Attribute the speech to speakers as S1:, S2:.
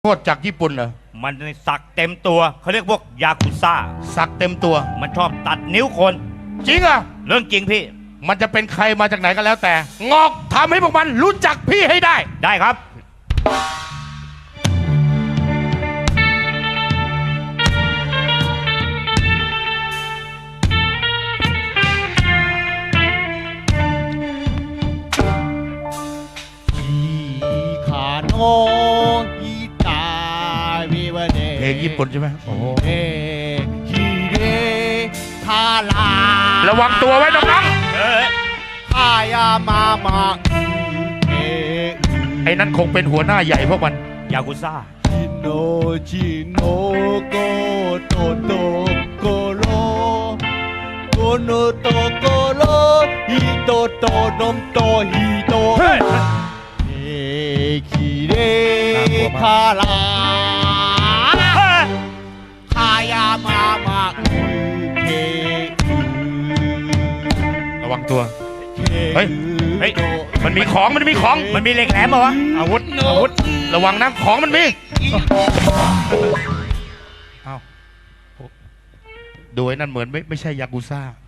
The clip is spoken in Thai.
S1: โทษจากญี่ปุ่นเหรอ
S2: มันสักเต็มตัวเขาเรียกพวกยากุซ่า
S1: สักเต็มตัว
S2: มันชอบตัดนิ้วคน
S1: จริงอ่ะ
S2: เรื่องจริงพี่
S1: มันจะเป็นใครมาจากไหนก็แล้วแต่งอกทำให้พวกมันรู้จักพี่ให้ได้
S2: ได้ครับ
S1: เพลงญี่ปุ่นใช่ไหมโอ้ระวังตัวไว้น้องๆไอ้นั่นคงเป็นหัวหน้าใหญ่พวกมัน
S2: ยากุซ่า
S1: ระวังตัวเฮ้ยมันมีของมัน
S2: มีเหล็กแหลมเหรอวะ
S1: อาวุธระวังนะของมันมีดูไอ้นั่นเหมือนไม่ใช่ยากุซ่า